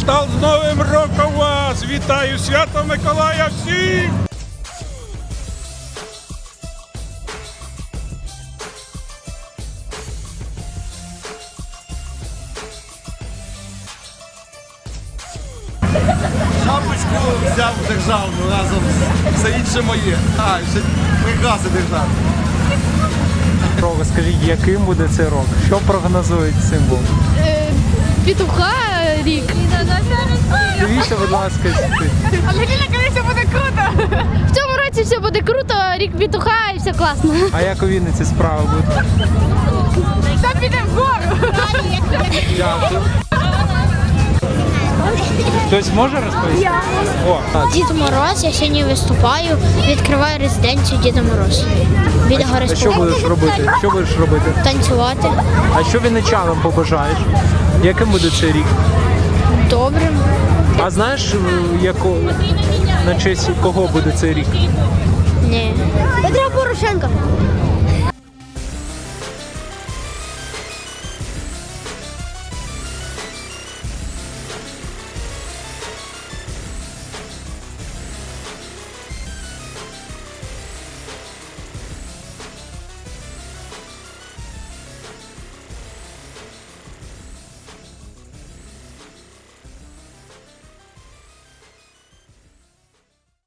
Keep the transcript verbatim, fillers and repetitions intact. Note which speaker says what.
Speaker 1: кшталт з Новим роком вас! Вітаю Свято Миколая всіх!
Speaker 2: Шапочку взяв державну разом з все інше моє. А, ще прикраси державні.
Speaker 3: Скажіть, яким буде цей рок? Що прогнозують символ?
Speaker 4: Петуха рік.
Speaker 3: Дивіться, будь ласка, сюди.
Speaker 4: Але Ліля, коли все буде круто. В цьому році все буде круто, рік петуха і все класно.
Speaker 3: А як у Вінниці справи будуть?
Speaker 4: Там підемо вгору.
Speaker 3: Дякую. Хтось може розповісти? О, так.
Speaker 5: Дід Мороз, я сьогодні виступаю, відкриваю резиденцію Діда Мороз. Біля гори
Speaker 3: А що будеш робити? Що будеш робити?
Speaker 5: Танцювати.
Speaker 3: А що вінничанам побажаєш? Яким буде цей рік?
Speaker 5: Добрим.
Speaker 3: А знаєш, яко... на честь кого буде цей рік?
Speaker 5: Ні. Петра Порошенка.